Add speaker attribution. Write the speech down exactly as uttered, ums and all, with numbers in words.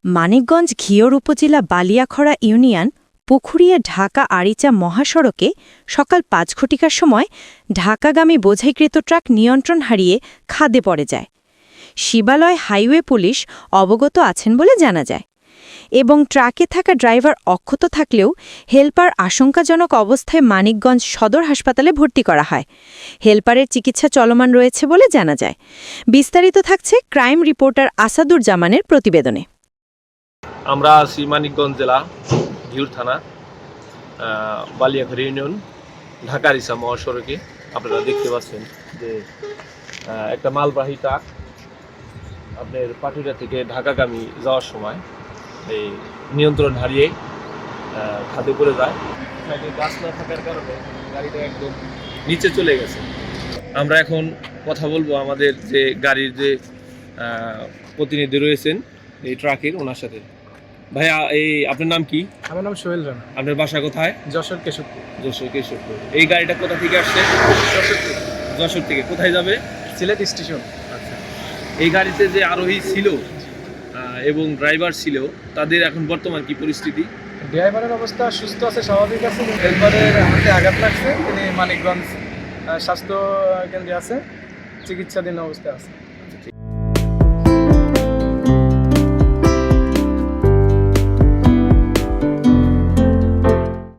Speaker 1: মানিকগঞ্জ ঘিওর উপজেলা বালিয়াখড়া ইউনিয়ন পুখুরিয়া ঢাকা আরিচা মহাসড়কে সকাল পাঁচ ঘটিকার সময় ঢাকাগামী বোঝাইকৃত ট্রাক নিয়ন্ত্রণ হারিয়ে খাদে পড়ে যায়। শিবালয় হাইওয়ে পুলিশ অবগত আছেন বলে জানা যায় এবং ট্রাকে থাকা ড্রাইভার অক্ষত থাকলেও হেলপার আশঙ্কাজনক অবস্থায় মানিকগঞ্জ সদর হাসপাতালে ভর্তি করা হয়। হেলপারের চিকিৎসা চলমান রয়েছে বলে জানা যায়। বিস্তারিত থাকছে ক্রাইম রিপোর্টার আসাদুর জামানের প্রতিবেদনে।
Speaker 2: আমরা আছি মানিকগঞ্জ জেলা ঘিওর থানা বালিয়াখড়া ইউনিয়ন ঢাকা আরিচা মহাসড়কে। আপনারা দেখতে পাচ্ছেন যে একটা মালবাহী ট্রাক আপনার পাটুরিয়া থেকে ঢাকাগামী যাওয়ার সময় এই নিয়ন্ত্রণ হারিয়ে খাদে পড়ে যায়। গাছ না থাকার কারণে গাড়িটা একদম নিচে চলে গেছে। আমরা এখন কথা বলবো আমাদের যে গাড়ির যে প্রতিনিধি রয়েছেন এই ট্রাকের, ওনার সাথে। ভাইয়া, এই আপনার নাম কি?
Speaker 3: আমার নাম সোহেল রানা।
Speaker 2: আপনার বাসা কোথায়?
Speaker 3: যশোর কেশবপুর।
Speaker 2: যশোর কেশবপুর। এই গাড়িটা কোথা থেকে আসছে?
Speaker 3: যশোর থেকে।
Speaker 2: যশোর থেকে কোথায় যাবে?
Speaker 3: সিলেট স্টেশন।
Speaker 2: আচ্ছা, এই গাড়িতে যে আরোহী ছিল এবং ড্রাইভার ছিল, তাদের এখন বর্তমান কি পরিস্থিতি?
Speaker 3: ড্রাইভারের অবস্থা সুস্থ আছে, স্বাভাবিক আছে। হেলপারের হাতে আঘাত লাগছে, তিনি মানিকগঞ্জ স্বাস্থ্য কেন্দ্রে আছে, চিকিৎসাধীন অবস্থায় আছে।